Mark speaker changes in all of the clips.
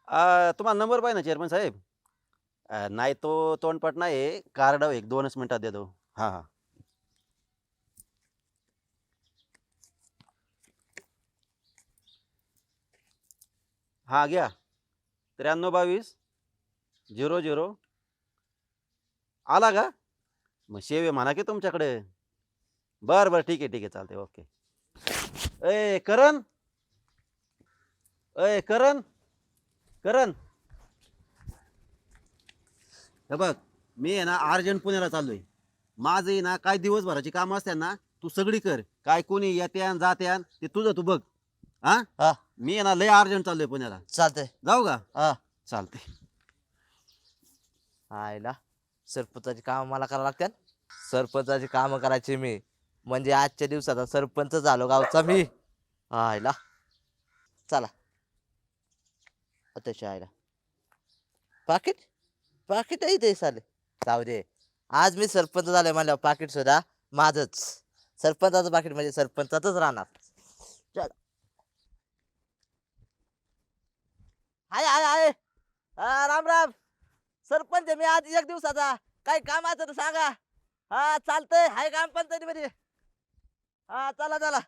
Speaker 1: तुम्हाला नंबर पाहिजे ना चेअरमन साहेब? नाही तो तोंडपाठ नाही, कार्ड एक 2च मिनिटात देतो. हां, हां. हां, घ्या. 9322 00 आला का? मग शेव आहे म्हणा की तुमच्याकडे. बरं, बरं. ठीक आहे, ठीक आहे. चालतंय. ओके. करण, करण, करण. हे बघ, मी आहे ना अर्जंट पुण्याला चाललोय. माझं आहे ना काय दिवसभराची कामं असतात ना, तू सगळी कर. काय कोणी येत्यान जात्यान ते तुझं तू बघ. हां?
Speaker 2: हा
Speaker 1: मी आहे ना लय अर्जंट चाललोय पुण्याला.
Speaker 2: चालतंय.
Speaker 1: जाऊ का?
Speaker 2: हा
Speaker 1: चालतंय.
Speaker 2: आयला सरपंचाची काम मला करावं लागतात. सरपंचाची काम करायची मी म्हणजे आजच्या दिवसाचा सरपंच झालो गावचा मी. आयला चला त्याच्या आयला पाकिट पाकिट इथे चालेल. जाऊ दे, आज मी सरपंच झालोय म्हणल्यावर पाकिट सुद्धा माझच. सरपंचाचं पाकिट म्हणजे सरपंचातच राहणार. चल हाय हाय हाय. राम राम. सरपंच आहे मी आज एक दिवसाचा. काही काम असं तर सांगा. हा चालतंय, हाय काम पंचायतीमध्ये. हा चला चला.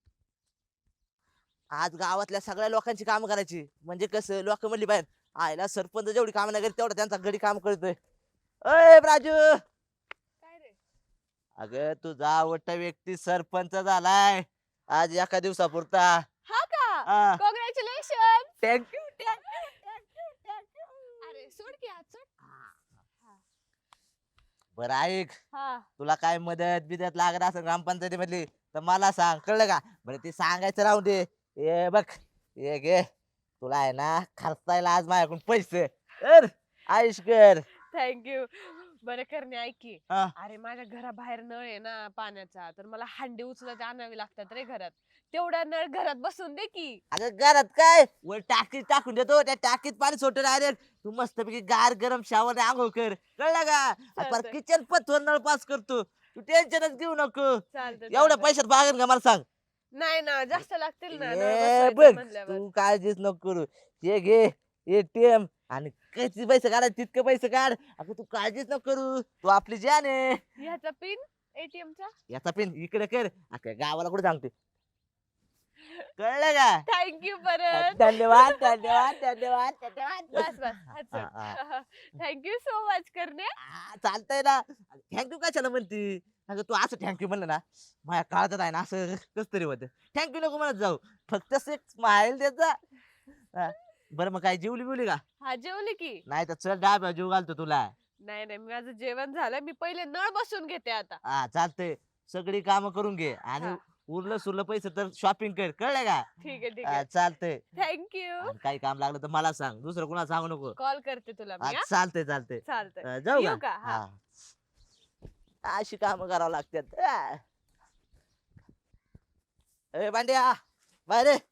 Speaker 2: आज गावातल्या सगळ्या लोकांची कामं करायची म्हणजे कसं लोक म्हणली पाहिजे आयला सरपंच जेवढी कामं नाही करीत तेवढं त्यांचा गडी काम करतोय. अय राजू,
Speaker 3: काय रे?
Speaker 2: अगं तुझा आवडता व्यक्ती सरपंच झालाय आज एका दिवसापुरता.
Speaker 3: हा का?
Speaker 2: हा
Speaker 3: कॉंग्रॅच्युलेशन.
Speaker 2: थँक्यू.
Speaker 3: अरे सोड की आज सोड.
Speaker 2: बरं ऐक,
Speaker 3: हा.
Speaker 2: तुला काय मदत बिदत लागत असेल ग्रामपंचायती मधली तर मला सांग, कळलं का? बरं ते सांगायचं राहून दे. ये बघ, ये घे, तुला आहे ना खर्चायला आज माझ्याकडून पैसे कर. आयुष कर.
Speaker 3: थँक्यू. बरं करणे ऐक की.
Speaker 2: हा.
Speaker 3: अरे माझ्या घराबाहेर नळ आहे ना पाण्याचा, तर मला हांडी उचलत आणावी लागतात रे घरात. तेवढा नळ घरात बसून दे की.
Speaker 2: अगं घरात काय वर टाकीत टाकून देतो, त्या टाकीत पाणी सोडतो डायरेक्ट. तू मस्तपैकी गार गरम शावर आंघोळ कर, कळलं का? आणि परत
Speaker 3: चालतंय.
Speaker 2: किचन पथवर नळ पास करतो. तू टेन्शनच घेऊ नको.
Speaker 3: चालतंय
Speaker 2: एवढ्या
Speaker 3: चालतंय.
Speaker 2: पैशात बागेल का मला सांग?
Speaker 3: नाही ना जास्त लागतील ना नळ
Speaker 2: ए
Speaker 3: बसवायचं
Speaker 2: बघ,
Speaker 3: म्हणल्यावर.
Speaker 2: तू काळजीच नको करू. हे घे एटीएम आणि किती पैसे काढायचे तितके पैसे काढ. अगं तू काळजीच नको करू, तू आपली जान आहे.
Speaker 3: ह्याचा पिन एटीएमचा.
Speaker 2: याचा पिन इकडे कर, अख्ख्या गावाला कुठे सांगते, कळलं का?
Speaker 3: थँक्यू परत.
Speaker 2: धन्यवाद धन्यवाद धन्यवाद धन्यवाद.
Speaker 3: बस बस
Speaker 2: हा, हा.
Speaker 3: थँक्यू सो मच करणे.
Speaker 2: चालतंय ना. थँक्यू कशाला म्हणती? अगं तू असं थँक्यू म्हणलं ना माझ्या काळजात आहे ना असं कस तरी होतं. थँक्यू नको म्हणत जाऊ, फक्त एक स्माइल देत जा. हा. बरं मग काय जेवली बिवली का?
Speaker 3: हा जेवले की.
Speaker 2: नाही तर चल डाब्या जेव घालतो तुला.
Speaker 3: नाही नाही माझं जेवण झालं, मी पहिले नळ बसून घेते आता.
Speaker 2: हा चालतंय, सगळी कामं करून घे आणि
Speaker 3: हा.
Speaker 2: उरलं सुरलं पैसे तर शॉपिंग कर, कळलं का?
Speaker 3: ठीक आहे ठीक
Speaker 2: हा,
Speaker 3: आहे.
Speaker 2: चालतंय.
Speaker 3: थँक्यू.
Speaker 2: आणि काही काम लागलं तर मला सांग, दुसरं कुणाला सांगू नको.
Speaker 3: कॉल करते तुला मी.
Speaker 2: हा,
Speaker 3: हा?
Speaker 2: चालतंय चालतंय.
Speaker 3: चालतंय.
Speaker 2: जाऊ
Speaker 3: येऊ
Speaker 2: का?
Speaker 3: का? हा.
Speaker 2: हा. अशी कामं करावं लागतात. ए भांड्या बाहेर ये.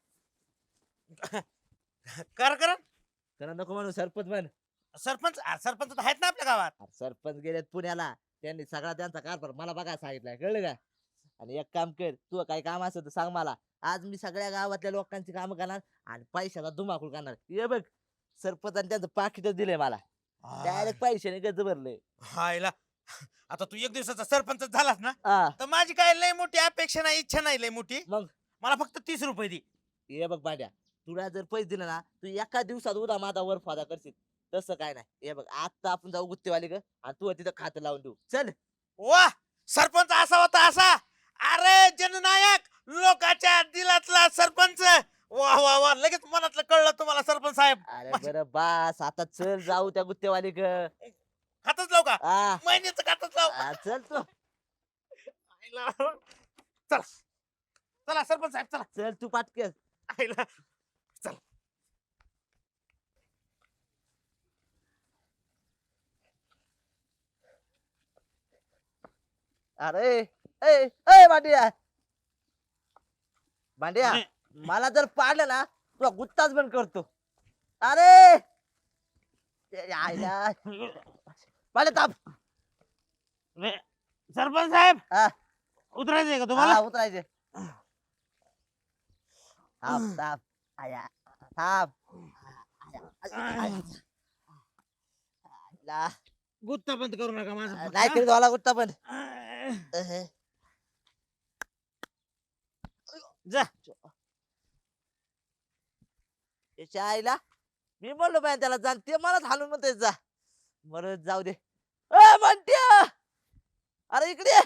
Speaker 4: कर कर
Speaker 2: त्याला नको म्हणू, सरपंच म्हण.
Speaker 4: सरपंच सरपंच तर आहेत ना आपल्या गावात.
Speaker 2: अरे सरपंच गेलेत पुण्याला, त्यांनी सगळा त्यांचा कारभार मला बघा सांगितलाय, कळलं का? आणि एक काम कर, तू काही काम असेल तर सांग मला. आज मी सगळ्या गावातल्या लोकांची कामं करणार आणि पैशाचा धुमाकूळ करणार. ये बघ, सरपंचाने त्यांचं पाकिटच दिलंय मला. डायरेक्ट पैशाने गज भरलंय.
Speaker 4: हायला, आता तू एक दिवसाचा सरपंच झालास ना,
Speaker 2: हा
Speaker 4: तर माझी काय लय मोठी अपेक्षा नाही, इच्छा नाही लय मोठी.
Speaker 2: मग
Speaker 4: मला फक्त 30 रुपये दे.
Speaker 2: ये बघ भांड्या, तुला जर पैसे दिले ना तू एका दिवसात उदा माझा वर फादा करशील. तसं काय नाही. हे बघ आता आपण जाऊ गुत्तेवाली ग आणि तू तिथं खातं लावून देऊ. चल.
Speaker 4: वा, सरपंच असा होता असा. अरे जननायक, लोकांच्या दिलातला सरपंच. वा वा वा, लगेच मनातलं कळलं तुम्हाला सरपंच साहेब.
Speaker 2: अरे बरं बास, आता चल जाऊ त्या गुत्तेवाली ग.
Speaker 4: खातच लाव का?
Speaker 2: हा
Speaker 4: महिन्याचं खातच लाव.
Speaker 2: चल तू.
Speaker 4: आईला. चला चला सरपंच साहेब चला.
Speaker 2: चल तू पाटकेस.
Speaker 4: आईला. चला.
Speaker 2: अरे ए ए भांड्या भांड्या, मला जर पाडलं ना तुला गुत्ताच बंद करतो. अरे आईला पाडे ताप.
Speaker 4: सरपंच साहेब
Speaker 2: हा
Speaker 4: उतरायचंय का
Speaker 2: हा,
Speaker 4: तुम्हाला?
Speaker 2: उतरायचे. ताप ताप आया ताप. ला,
Speaker 4: गुत्ता बंद करू नका माझा
Speaker 2: नाही तरी झाला कुठं पण
Speaker 4: जा.
Speaker 2: त्याच्या आईला मी म्हणलो बाय त्याला जा ते मला हालून म्हणते जा बरं जाऊ दे ए म्हणत्या अरे इकडे ये.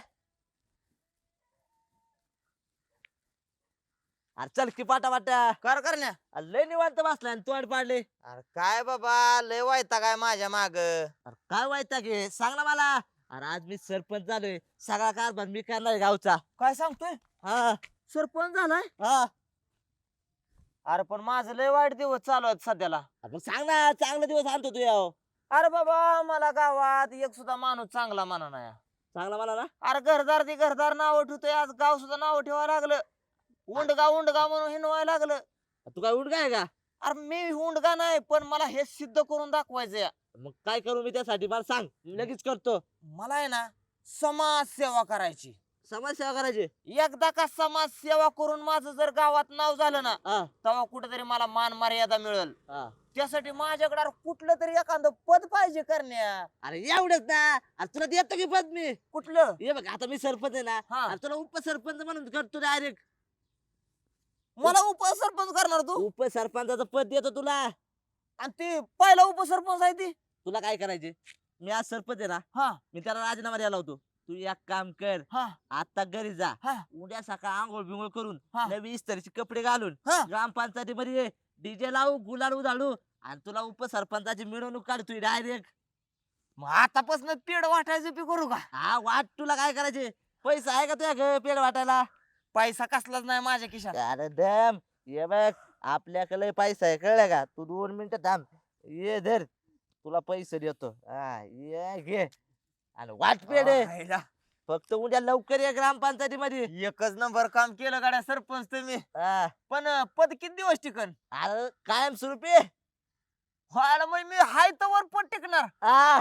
Speaker 2: अरे चल की पाटा पाटा
Speaker 5: करण्या
Speaker 2: अरे लय निवांत बसलाय आणि तोंड पाडले
Speaker 5: अरे काय बाबा लय वायता काय माझ्या माग
Speaker 2: अरे काय वाईटा घे सांग ना मला अरे आज मी सरपंच झालोय सगळा कारभार मी करणार गावचा
Speaker 5: काय सांगतोय
Speaker 2: हा
Speaker 5: सरपंच झालाय
Speaker 2: हा
Speaker 5: अरे पण माझं लय वाईट दिवस चालू आहेत सध्याला
Speaker 2: आपण सांग ना चांगला दिवस आणतो तू याव
Speaker 5: अरे बाबा मला गावात एक सुद्धा माणूस चांगला म्हणा नाही
Speaker 2: चांगला मला ना
Speaker 5: अरे घरदार ते घरदार नाव ठेवतोय आज गाव सुद्धा नाव ठेवायला लागलं उंडगा उंडगा म्हणून हिंडवायला लागलं
Speaker 2: तू काय उठ काय का
Speaker 5: अरे मी उंडगा नाही पण मला हे सिद्ध करून दाखवायचंय
Speaker 2: मग काय करू मी त्यासाठी मला सांग मी लगेच करतो
Speaker 5: मला आहे ना समाज सेवा करायची
Speaker 2: समाजसेवा करायची
Speaker 5: एकदा का समाज सेवा करून माझं जर गावात नाव झालं ना
Speaker 2: हा
Speaker 5: तेव्हा कुठेतरी मला मान मर्यादा मिळेल
Speaker 2: हा
Speaker 5: त्यासाठी माझ्याकडे अरे कुठलं तरी एखादं पद पाहिजे करण्या
Speaker 2: अरे एवढंच ना अरे तुला देतो की पद मी
Speaker 5: कुठलं
Speaker 2: ये बघ आता मी सरपंच आहे ना
Speaker 5: हा.
Speaker 2: अरे तुला उपसरपंच म्हणून करतो डायरेक्ट
Speaker 5: मला उपसरपंच करणार तू
Speaker 2: उपसरपंचाचं पद देतो तुला
Speaker 5: आणि ते पहिला उपसरपंच आहे ती
Speaker 2: तुला काय करायचे मी आज सरपंच आहे ना
Speaker 5: हा
Speaker 2: मी त्याला राजीनामा द्यायला होतो तू एक काम कर
Speaker 5: हा
Speaker 2: आता घरी जा
Speaker 5: हा
Speaker 2: उद्या सकाळ आंघोळ बिंघोळ करून
Speaker 5: हा.
Speaker 2: नवी इस्त्रीचे कपडे घालून
Speaker 5: हा.
Speaker 2: ग्रामपंचायतीमध्ये डीजे लावू गुलाल उधाळू आणि तुला उपसरपंचाची मिरवणूक काढ तू डायरेक्ट
Speaker 5: मग आतापासून पेड वाटायचं पी करू का
Speaker 2: हा वाट तुला काय करायचे पैसा आहे का तुझ्या पेड वाटायला
Speaker 5: पैसा कसलाच नाही माझ्या खिशात
Speaker 2: अरे दम ये बघ आपल्याकडे पैसा आहे कळलं का तू 2 मिनिटं थांब ये धर तुला पैसे देतो हा ये घे आणि वाट पेड आहे.
Speaker 5: आयला,
Speaker 2: फक्त उद्या लवकर ये ग्रामपंचायतीमध्ये
Speaker 5: एकच नंबर काम केलं गाड्या सरपंच तुम्ही
Speaker 2: हा.
Speaker 5: पण पद किती दिवस टिकन
Speaker 2: अरे कायम स्वरूपी
Speaker 5: व्हायला मग मी हाय तवर पद टिकणार
Speaker 2: हा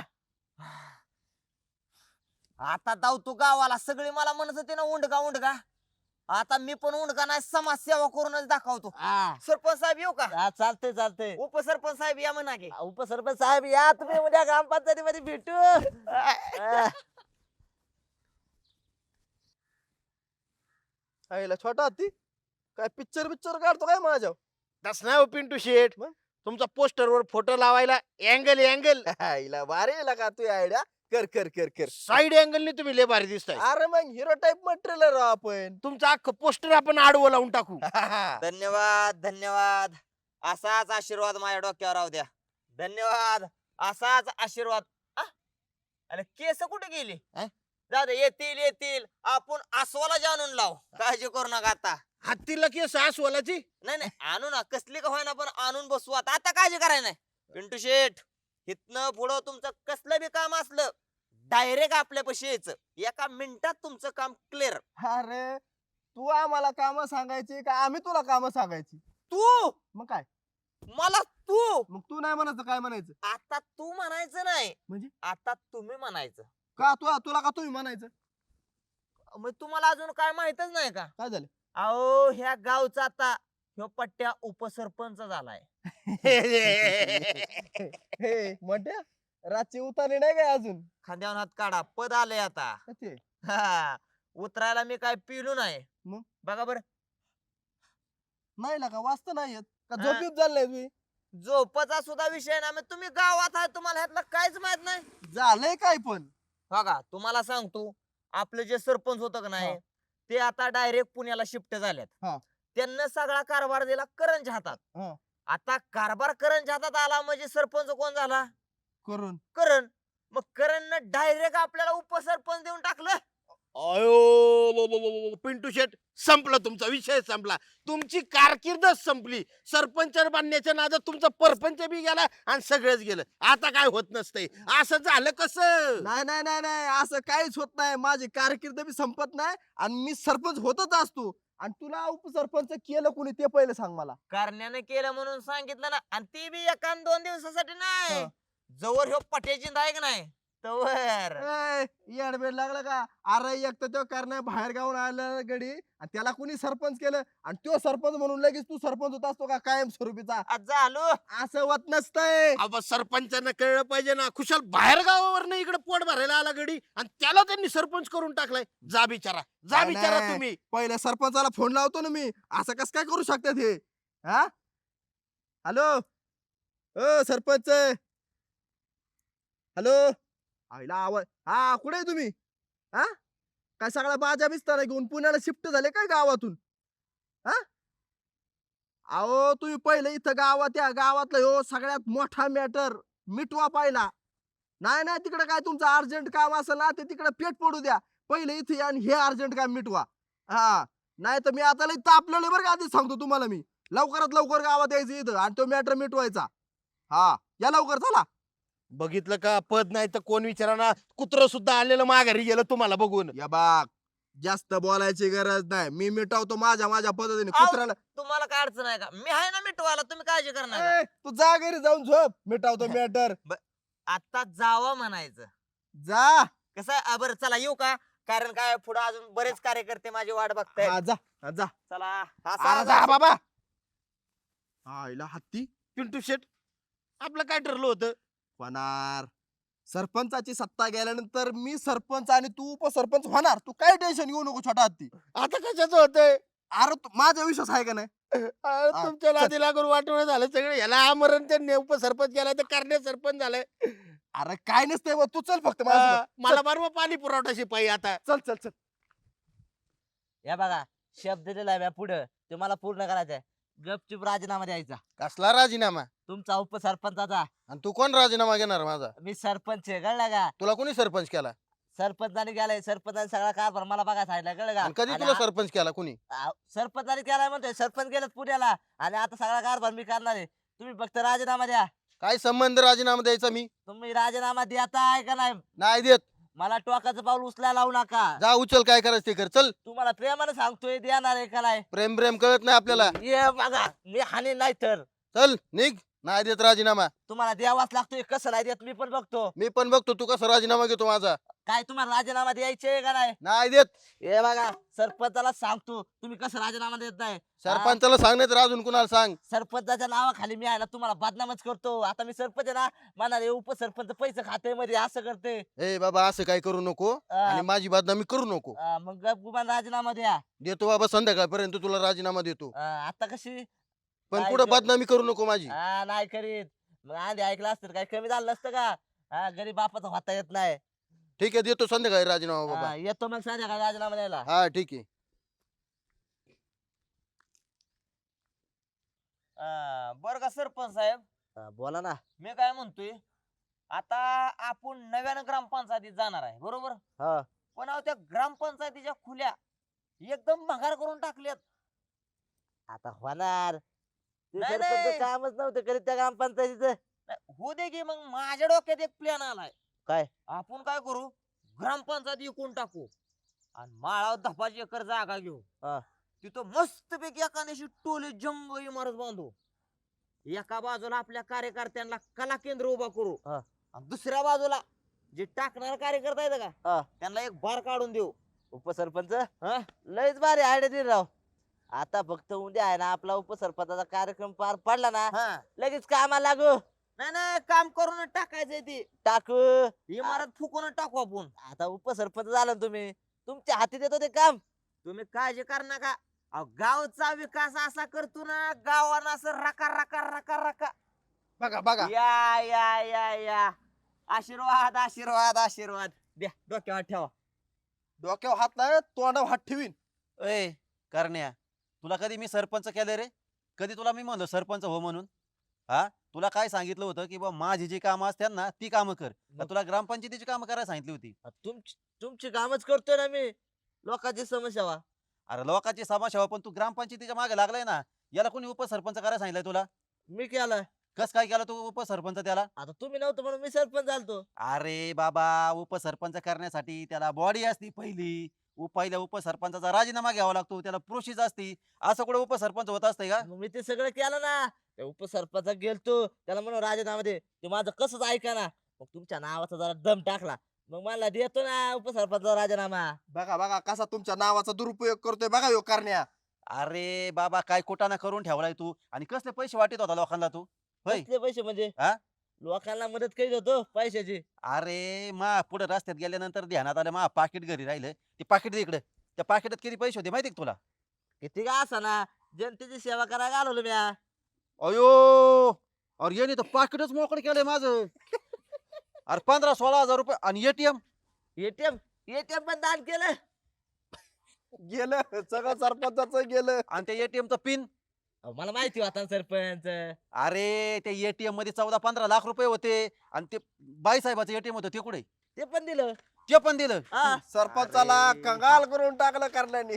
Speaker 5: आता धावतो गावाला सगळे मला म्हणत होते ना उंडगा उंडगा आता मी पण उंडगा नाही समाज सेवा करूनच दाखवतो
Speaker 2: हा
Speaker 5: सरपंच साहेब येऊ का
Speaker 2: हा, चालतंय चालतंय
Speaker 5: उपसरपंच साहेब या म्हणा की
Speaker 2: उपसरपंच साहेब या तुम्ही उद्या ग्रामपंचायतीमध्ये भेटू हा.
Speaker 6: आईला छोटा हत्ती काय पिक्चर काढतो काय माझ्या
Speaker 4: तस नाही हो पिंटू शेठ
Speaker 6: मग?
Speaker 4: तुमचा पोस्टर वर फोटो लावायला अँगल
Speaker 6: आईला भारी आहे का तू आयडिया कर कर कर कर
Speaker 4: साईड अँगलने तुम्ही लय भारी दिसताय
Speaker 6: अरे मग हिरो टाइप मटेरियल राव आपण
Speaker 4: तुमचं अख्खं पोस्टर आपण आडवं लावून टाकू
Speaker 5: धन्यवाद धन्यवाद असाच आशीर्वाद माझ्या डोक्यावर राहू द्या धन्यवाद असाच आशीर्वाद आ? अरे केस कुठे गेली जाऊ दे येतील येतील आपण अस्वाला जाणून लाव काळजी करू नका आता
Speaker 4: हत्तीला की सासवालाची
Speaker 5: नाही नाही आणू ना कसली का होईना पण आणून बसू आता काळजी करायला नाही पिंटू शेठ इथनं पुढं तुमचं कसलं बी काम असलं डायरेक्ट आपल्यापाशी यायचं एका मिनिटात तुमचं काम क्लिअर
Speaker 6: अरे तू आम्हाला काम सांगायची का आम्ही तुला काम सांगायची
Speaker 5: तू
Speaker 6: मग काय
Speaker 5: मला तू
Speaker 6: मग तू नाही म्हणायचं काय म्हणायचं
Speaker 5: आता तू म्हणायचं नाही
Speaker 6: म्हणजे?
Speaker 5: आता तुम्ही म्हणायचं
Speaker 6: का तुला का तुम्ही म्हणायचं
Speaker 5: मग तुम्हाला अजून काय माहितच नाही का
Speaker 6: काय झालं
Speaker 5: अहो ह्या गावचा आता ह्यो पट्ट्या उपसरपंच झालाय
Speaker 6: हे मोठ्या रातची उतारली नाही काय अजून
Speaker 5: खांद्यावर हात काढा पद आलंय आता
Speaker 6: कशी?
Speaker 5: हा, उतरायला मी काय पिलो नाही
Speaker 6: मग?
Speaker 5: बघा बर
Speaker 6: नाही का वाचत नाही येत का
Speaker 5: हा.
Speaker 6: झोपीत झालंय तुम्ही
Speaker 5: झोपचा सुद्धा विषय ना मग तुम्ही गावात आहे तुम्हाला ह्यातलं काहीच माहित नाही
Speaker 6: झालंय काय पण
Speaker 5: बघा तुम्हाला सांगतो आपले जे सरपंच होतं का नाही
Speaker 6: हा.
Speaker 5: ते आता डायरेक्ट पुण्याला शिफ्ट झालेत
Speaker 6: हा.
Speaker 5: त्यांना सगळा कारभार दिला करंजच्या हातात
Speaker 6: हा.
Speaker 5: आता कारभार करंजच्या हातात आला म्हणजे सरपंच कोण झाला
Speaker 6: करून
Speaker 5: करण मग करण डायरेक्ट आपल्याला उपसरपंच देऊन टाकलं
Speaker 4: अयो पिंटू शेठ संपला तुमचा विषय संपला तुमची कारकीर्दच संपली सरपंच बनण्याच्या नादात तुमचा परपंच बी गेला आणि सगळंच गेलं आता काय होत नसतंय असं झालं कसं
Speaker 6: नाही नाही नाही नाही असं काहीच होत नाही माझी कारकीर्द बी संपत नाही आणि मी सरपंच होतच असतो आणि तुला उपसरपंच केलं कोणी ते पहिलं सांग मला
Speaker 5: करण्याने केलं म्हणून सांगितलं ना आणि ती बी एका 2 दिवसासाठी नाही
Speaker 6: हा.
Speaker 5: जवळ ह्यो पट्याची आहे का नाही तवर
Speaker 6: येडबेड लागला का? अरे एक तर तो करण्या बाहेर गावून आला गडी आणि त्याला कुणी सरपंच केलं आणि तो सरपंच म्हणून लगेच तू सरपंच होत असतो का कायम स्वरूपीचा?
Speaker 5: आज झालो.
Speaker 6: असं होत नसतंय.
Speaker 4: अहो सरपंचांना कळलं पाहिजे ना, खुशाल बाहेर गावावर इकडे पोट भरायला आला गडी आणि त्याला त्यांनी सरपंच करून टाकलाय. जा बिचारा, जा
Speaker 6: नाही,
Speaker 4: बिचारा
Speaker 6: नाही.
Speaker 4: तुम्ही.
Speaker 6: पहिल्या सरपंचाला फोन लावतो ना मी. असं कस काय करू शकतात हे? हा हॅलो ओ सरपंच, हॅलो. आईला आवाज. हा कुठे आहे तुम्ही? हा काय सगळा बाजा बिस्तारा घेऊन पुण्याला शिफ्ट झाले काय गावातून? हा अहो तुम्ही पहिले इथं गावात या. गावातला हो सगळ्यात मोठा मॅटर मिटवा पाहिला. नाही तिकडे काय तुमचं अर्जंट काम असेल ना ते तिकडे पेट पडू द्या. पहिले इथे या आणि हे अर्जंट काम मिटवा. हा नाही तर मी आता लई तापलेलं बरं का, आधीच सांगतो तुम्हाला मी. लवकरात लवकर गावात यायचं इथं आणि तो मॅटर मिटवायचा. हा या लवकर चला.
Speaker 4: बघितलं का, पद नाही तर कोण विचाराना, कुत्र सुद्धा आलेलं माघारी गेलं तुम्हाला बघून.
Speaker 6: या बाग जास्त बोलायची गरज नाही. मी मिटवतो माझ्या पद्धतीने.
Speaker 5: आव.
Speaker 6: कुत्र्याला
Speaker 5: तुम्हाला काय अडचण आहे का? मी आहे ना मिटवायला, तुम्ही काळजी करणार नका.
Speaker 6: तू जा घरी जाऊन झोप. मिटवतो मॅटर.
Speaker 5: आता जावं म्हणायचं.
Speaker 6: जा.
Speaker 5: कसं आहे, बरं चला येऊ का? कारण काय पुढे अजून बरेच कार्यकर्ते माझी वाट बघतायत.
Speaker 6: हा, जा.
Speaker 5: चला
Speaker 6: अरे जा बाबा. आईला हत्ती
Speaker 4: पिंटू शेट, आपलं काय ठरलं होतं?
Speaker 6: होणार. सरपंचाची सत्ता गेल्यानंतर मी सरपंच आणि तू उपसरपंच होणार. तू काय टेन्शन घेऊ नको छोटा हत्ती.
Speaker 4: आता कशाचं होतंय?
Speaker 6: अरे माझा विश्वास आहे का नाही?
Speaker 4: तुमच्या नादी लागून वाटवणं झालं सगळं. याला आमरण त्यांनी उपसरपंच केलाय तर करणे सरपंच झालाय.
Speaker 6: अरे काय नसतंय बा, तू चल फक्त माझ्यासोबत.
Speaker 4: मला बरोबर पाणी पुरवठा शिपाई आता.
Speaker 6: चल.
Speaker 2: या बघा शब्द दिलाय म्या पुढं, ते मला पूर्ण करायचंय. गपचूप राजीनामा द्यायचा
Speaker 4: कसला राजीनामा?
Speaker 2: तुमचा उपसरपंचाचा.
Speaker 4: आणि तू कोण राजीनामा घेणार माझा?
Speaker 2: मी सरपंच आहे, कळलं का?
Speaker 4: तुला कोणी सरपंच केला?
Speaker 2: सरपंचाने केलाय, सरपंचाने सगळा कारभार मला बघा सांगितलं, कळलं का?
Speaker 4: आणि कधी
Speaker 2: आणि
Speaker 4: तुला
Speaker 2: आ-
Speaker 4: सरपंच केला कोणी?
Speaker 2: सरपंचाने केलाय म्हणतोय. सरपंच गेलेत पुण्याला आणि आता सगळा कारभार मी करणार आहे. तुम्ही फक्त राजीनामा द्या.
Speaker 4: काय संबंध राजीनामा द्यायचा मी?
Speaker 2: तुम्ही राजीनामा देताय का नाही?
Speaker 4: नाही देत.
Speaker 2: मला टोकाचं पाऊल उचलायला लावू नका.
Speaker 4: जा उचल, काय करायचं ते कर. चल.
Speaker 2: तुम्हाला प्रेमाने सांगतोय, देणार आहे का नाही?
Speaker 4: प्रेम कळत नाही आपल्याला.
Speaker 2: ये बघा मी हानी नाही तर
Speaker 4: चल निघ. नाही देत राजीनामा.
Speaker 2: तुम्हाला द्यावाच लागतोय. कसं नाही देत मी पण बघतो.
Speaker 4: मी पण बघतो तू कसा राजीनामा घेतो माझा.
Speaker 2: काय तुम्हाला राजीनामा द्यायचे का नाही?
Speaker 4: नाही देत.
Speaker 2: हे बघा सरपंचाला सांगतो, तुम्ही कसं राजीनामा देत नाही.
Speaker 4: सरपंचाला सांग, नाही तर अजून कुणाला सांग.
Speaker 2: सरपंचाच्या नावाखाली मी आहे ना तुम्हाला बदनामच करतो. आता मी सरपंच आहे ना, म्हणाले उपसरपंच पैसे खाते मध्ये असं करते.
Speaker 4: ए बाबा असं काय करू नको आणि माझी बदनामी करू नको.
Speaker 2: मग गप गुमान राजीनामा द्या.
Speaker 4: देतो बाबा, संध्याकाळपर्यंत तुला राजीनामा देतो.
Speaker 2: आता कशी?
Speaker 4: पण
Speaker 2: काय
Speaker 4: पुढे
Speaker 2: ग-
Speaker 4: बदनामी करू नको माझी.
Speaker 2: नाही करीत. मग आधी ऐकलं असतं काय कमी झालं नसतं का? गरीब बापाचा होता येत नाही.
Speaker 4: ठीक आहे, देतो संध्याकाळी राजीनामा बाबा.
Speaker 2: येतो मग संध्याकाळी राजीनामा द्यायला.
Speaker 4: हा ठीक आहे.
Speaker 5: बरं का सरपंच साहेब,
Speaker 2: बोला ना.
Speaker 5: मी काय म्हणतोय, आता आपण नव्यानं ग्रामपंचायतीत जाणार आहे बरोबर.
Speaker 2: हा.
Speaker 5: पण अहो त्या ग्रामपंचायतीच्या खुल्या एकदम भंगार करून टाकल्यात.
Speaker 2: आता होणार. ते
Speaker 5: नाही,
Speaker 2: सरपंच
Speaker 5: नाही.
Speaker 2: कामच नव्हतं करीत त्या ग्रामपंचायतीचं.
Speaker 5: हो दे की, मग माझ्या डोक्यात एक प्लॅन आलाय.
Speaker 2: काय?
Speaker 5: आपण काय करू, ग्रामपंचायत विकून टाकू आणि माळावर 10 एकर जागा घेऊ.
Speaker 2: हा.
Speaker 5: तिथं मस्त पैकी एखाद्याशी टोले जंग इमारत बांधू. एका बाजूला आपल्या कार्यकर्त्यांना कला केंद्र उभा करू
Speaker 2: हा.
Speaker 5: आणि दुसऱ्या बाजूला जे टाकणारा कार्यकर्ता आहेत
Speaker 2: हा.
Speaker 5: का, त्यांना एक बार काढून देऊ.
Speaker 2: उपसरपंच
Speaker 5: हा?
Speaker 2: लयच भारी आयडिया दिली राव. आता फक्त उद्या आहे ना आपला उपसरपंचाचा कार्यक्रम पार पडला ना,
Speaker 5: हा.
Speaker 2: लगेच कामाला लागू.
Speaker 5: नाही काम करून टाकायचंय ती
Speaker 2: टाकू.
Speaker 5: इमारत फुकून टाकू आपण.
Speaker 2: आता उपसरपंच झाला ना तुम्ही, तुमच्या हाती देतो ते काम.
Speaker 5: तुम्ही काळजी कर नका. अहो, गावचा विकास असा करतो ना, गावानं असं रका रका रका रका.
Speaker 6: बघा
Speaker 5: या या या या आशीर्वाद आशीर्वाद आशीर्वाद द्या, डोक्यावर ठेवा.
Speaker 6: डोक्यावर हात नाही तोंडावर हात ठेवीन.
Speaker 1: ए करण्या, तुला कधी मी सरपंच केलं रे? कधी तुला मी म्हणलो सरपंच हो म्हणून? हा, तुला काय सांगितलं होतं की बा माझी जी कामं असतात ना ती कामं कर. का तुला ग्रामपंचायतीची कामं करायला सांगितली होती?
Speaker 2: तुमची कामच करतोय ना मी. लोकांची समस्या वा.
Speaker 1: अरे लोकांची समाजसेवा, पण तू ग्रामपंचायतीच्या मागे लागलाय ना. याला कोणी उपसरपंच करायला सांगितलंय तुला?
Speaker 2: मी केलं.
Speaker 1: कस काय केलं तू उपसरपंच त्याला?
Speaker 2: आता तुम्ही नव्हतं म्हणून मी सरपंच झालतो.
Speaker 1: अरे बाबा, उपसरपंच करण्यासाठी त्याला बॉडी असती पहिली. पहिल्या उपसरपंचाचा राजीनामा घ्यावा लागतो, त्याला प्रोसेस असती. असं कुठे उपसरपंच होत असतंय का?
Speaker 2: मग मी ते सगळं केलं ना. त्या उपसरपंच गेलतो, त्याला म्हणून राजीनामा दे. ते माझं कसंच ऐका ना. मग तुमच्या नावाचा जरा दम टाकला मग मला देतो ना उपसरपंचा राजीनामा.
Speaker 6: बघा बघा कसा तुमच्या नावाचा दुरुपयोग करतोय बघा ह्यो करण्या.
Speaker 1: अरे बाबा काय कुटाणा करून ठेवलाय तू आणि कसले पैसे वाटत होता लोकांना तू होय
Speaker 2: कसले पैसे म्हणजे
Speaker 1: हा?
Speaker 2: लोकांना मदत करीत होतो पैशाची.
Speaker 1: अरे मा पुढे रस्त्यात गेल्यानंतर ध्यानात आलं मा पाकिट घरी राहिलं ते पाकिट दे इकडे त्या पाकिटात किती पैसे होते माहिती का तुला
Speaker 2: किती का असा ना जनतेची सेवा करायला घालवलं म्या.
Speaker 1: अयो अरे याने तर पाकिटच मोकळं केलंय माझं अरे 15-16 हजार रुपये आणि एटीएम
Speaker 2: एटीएम एटीएम पण दान केलं.
Speaker 6: गेलं सगळं सरपंचाचं गेलं.
Speaker 1: आणि त्या एटीएमचं पिन
Speaker 2: अहो, मला माहिती होता ना सरपंच.
Speaker 1: अरे त्या एटीएम मध्ये 14-15 लाख रुपये होते आणि ते बाईसाहेबाचं एटीएम होतं ते कुठे
Speaker 2: ते पण दिलं.
Speaker 1: ते पण दिलं
Speaker 2: हा
Speaker 6: सरपंचाला
Speaker 1: अरे.
Speaker 6: कंगाल करून टाकलं करण्याने.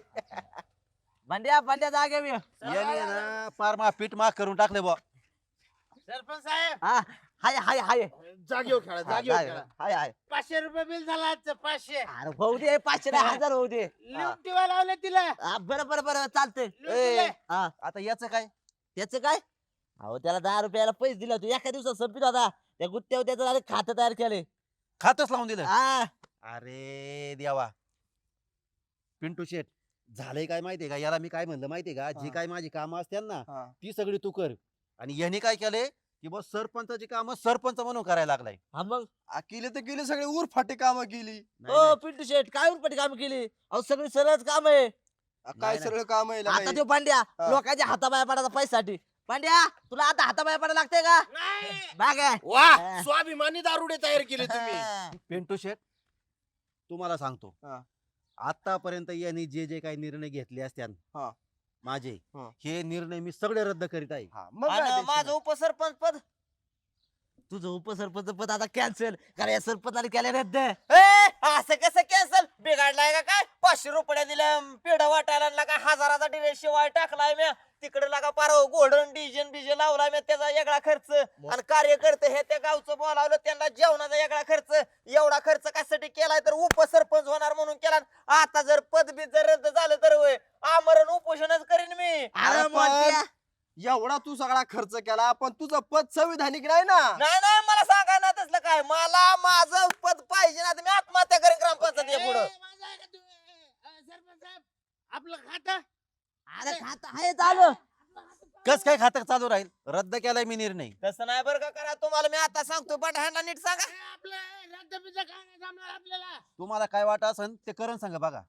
Speaker 2: भांड्या जागे मी.
Speaker 1: याने ना पार मा पीठ माग करून टाकले बुवा
Speaker 4: सरपंच साहेब
Speaker 2: हा हाय हाय हाय
Speaker 4: जागेवर खेळा जागेवर खेळा.
Speaker 2: हाय हाय.
Speaker 4: 500 रुपये बिल झाला आजचं 500.
Speaker 2: अरे होऊ दे 500 नाही, 1000 होऊ दे.
Speaker 4: लिहून ठेवा लावलं तिला
Speaker 2: हा, बरं बरं बरं चालतंय.
Speaker 4: लिहून
Speaker 1: ए,
Speaker 4: दिलंय.
Speaker 2: हा
Speaker 1: आता याचं काय
Speaker 2: त्याचं काय अहो त्याला 10 रुपयाला पैसे दिले होते एका दिवसात संपित होता त्या गुत्त्यावर त्याचं झालं खातं तयार केले.
Speaker 1: खातच लावून दिलं
Speaker 2: हा
Speaker 1: अरे देवा पिंटू शेट झालंय काय माहितीये का याला मी काय म्हणलं माहितीये का जी
Speaker 6: हा.
Speaker 1: काय माझी कामं असतात ना
Speaker 6: हा.
Speaker 1: ती सगळी तू कर आणि याने काय केलंय की बस सरपंचाची कामं सरपंच म्हणून करायला लागलाय
Speaker 2: हा मग
Speaker 6: केली तर केली सगळी उरफाटी कामं केली.
Speaker 1: नाही,
Speaker 2: ओ
Speaker 1: नाही.
Speaker 2: पिंटू शेट काय उरपटी काम केली अहो सगळी सरळच काम आहे.
Speaker 6: काय
Speaker 1: नाही.
Speaker 6: सगळं काम आहे
Speaker 2: आता तो पांड्या
Speaker 6: हा.
Speaker 2: लोकांच्या हाताबाया पडायचा पैशासाठी. पांड्या तुला आता हाताबाया पडायला लागते का
Speaker 4: नाही.
Speaker 2: बाग आहे.
Speaker 4: वा
Speaker 2: हा.
Speaker 4: स्वाभिमानी दारुडे तयार केले तुम्ही.
Speaker 2: हा.
Speaker 1: पिंटू शेट तुम्हाला सांगतो
Speaker 6: हा.
Speaker 1: आतापर्यंत यांनी जे जे काही निर्णय घेतले असत्यान
Speaker 6: हा.
Speaker 1: माझे
Speaker 6: हा.
Speaker 1: हे निर्णय मी सगळे रद्द करीत आहे
Speaker 6: हा, मग काय
Speaker 5: आणि
Speaker 6: tension
Speaker 5: माझं
Speaker 6: नाही.
Speaker 5: उपसरपंच पद
Speaker 2: तुझं उपसरपंच पद आता कॅन्सल कारण या सरपंचाने केले रद्द.
Speaker 5: असं कसं कॅन्सल बिघडलाय का काय 500 रुपये दिलं पेढ वाटायला लागा 1000चा डिले शिवाय टाकलाय मी तिकडे लागा पार गोल्डन डीजे लावलाय मी त्याचा वेगळा खर्च आणि कार्यकर्ते हे त्या गावचं बोलावलं त्यांना जेवणाचा वेगळा खर्च एवढा खर्च कशासाठी केलाय तर उपसरपंच होणार म्हणून केला. आता जर पदबीत जर रद्द झालं तर होय आमरण उपोषणच करीन मी.
Speaker 2: अरे
Speaker 6: अरे
Speaker 2: मोठ्या.
Speaker 6: एवढा तू सगळा खर्च केला पण तुझं पद संविधानिक नाही ना.
Speaker 5: नाही नाही मला सांगा ना तसलं काय मला माझं पद पाहिजे ना तर मी आत्महत्या करेन ग्रामपंचायत या पुढं.
Speaker 4: माझं आहे का तुम्ही? सरपंच साहेब आपलं खातं
Speaker 2: अरे खात आहे चालू.
Speaker 1: कस काय खातं चालू राहील रद्द केलाय मी निर्णय
Speaker 5: तसं नाही बरं का करा तुम्हाला मी आता सांगतो पण ह्यांना नीट सांगा.
Speaker 4: आपलं रद्द बिद्द काय नाही जमणार आपल्याला.
Speaker 1: तुम्हाला काय वाटत असेल ते करून सांगा बघा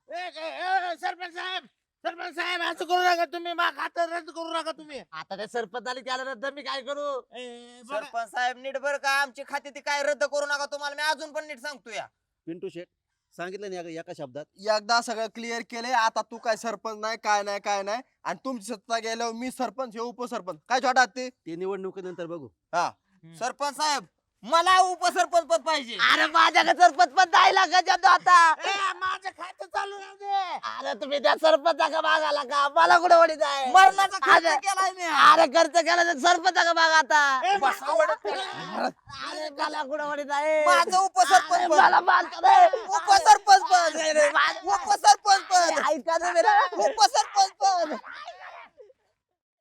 Speaker 4: सरपंच साहेब असं करू नका तुम्ही मा खातं रद्द करू नका तुम्ही.
Speaker 2: आता त्या सरपंचाने केलं रद्द मी काय करू.
Speaker 4: बघा.
Speaker 5: सरपंच साहेब नीट बरं का आमची खाती ती काय रद्द करू नका तुम्हाला मी अजून पण नीट सांगतो या.
Speaker 1: पिंटू शेट सांगितलं नाही एका शब्दात
Speaker 6: एकदा सगळं क्लिअर केलंय आता तू काय सरपंच नाही काय नाही काय नाही आणि तुमची सत्ता गेल्यावर मी सरपंच हे उपसरपंच काय छोटा ते.
Speaker 1: ते निवडणुकीनंतर बघू
Speaker 5: सरपंच साहेब मला उपसरपंच पद पाहिजे.
Speaker 2: अरे माझ्याकडे सरपंच पद द्यायला का जातो आता.
Speaker 4: माझं खातं चालू राहू दे.
Speaker 2: अरे तुम्ही त्या सरपंचा मागाला का मला कुठे वडीत आहे.
Speaker 5: मरणाचा खर्च
Speaker 2: अरे
Speaker 5: केलाय मी.
Speaker 2: अरे खर्च केला तर सरपंचा माग आता.
Speaker 4: बसा वडत.
Speaker 2: अरे मला कुठे वडीत आहे.
Speaker 5: माझं उपसरपंच पद.
Speaker 2: मला मारतो रे.
Speaker 5: उपसरपंच पद.
Speaker 2: अरे, माझं-
Speaker 5: उपसरपंच पद.
Speaker 2: ऐका ना मेरा.
Speaker 5: उपसरपंच पद.